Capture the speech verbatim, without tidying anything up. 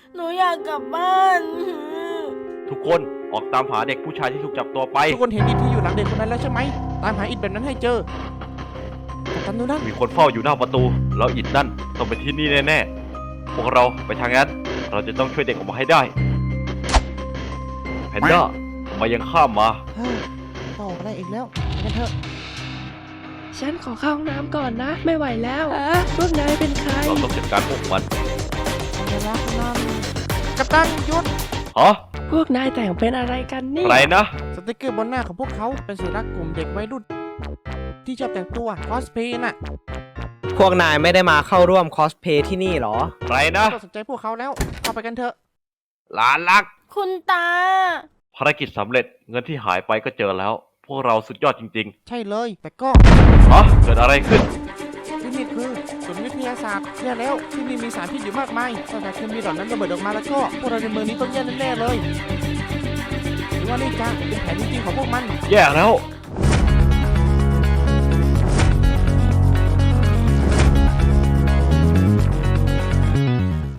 หนูอยากกลับบ้านทุกคนออกตามหาเด็กผู้ชายที่ถูกจับตัวไปทุกคนเห็นอิฐที่อยู่หลังเด็กคนนั้นแล้วใช่ไหมตามหาอิฐแบบนั้นให้เจอกัปตันดูนั่นมีคนเฝ้าอยู่หน้าประตูแล้วอิดนั่นต้องเป็นที่นี่แน่ๆพวกเราไปทางนั้นเราจะต้องช่วยเด็กออกมาให้ได้แพนด้าทำไมยังข้ามมาเฮ้ยต่ออะไรอีกแล้วไปกันเถอะฉันขอเข้าห้องน้ำก่อนนะ ไม่ไหวแล้วอะพวกนายเป็นใครเราต้องจัดการพวกมันเวลาคนนั้นกัปตันหยุดฮะพวกนายแต่งเป็นอะไรกันนี่ใครนะสติกเกอร์บนหน้าของพวกเขาเป็นสัญลักษณ์กลุ่มเด็กวัยรุ่นที่ชอบแต่งตัวคอสเพย์น่ะพวกนายไม่ได้มาเข้าร่วมคอสเพย์ที่นี่หรอใครนะต้องสนใจพวกเขาแล้วเข้าไปกันเถอะหลานรักคุณตาภารกิจสำเร็จเงินที่หายไปก็เจอแล้ว พวกเราสุดยอดจริงใช่เลย แต่ก็ๆฮะเกิดอะไรขึ้นที่นี่คือศูนย์วิทยาศาสตร์แย่แล้วที่นี่มีสารพิษอยู่มากมายถ้าแต่เคมีเหล่านั้นระเบิดออกมาแล้วก็พวกเราในเมืองนี้ต้องแย่แน่ๆเลยหรือว่านี่จะเป็นแผนจริงๆของพวกมันแย่แล้ว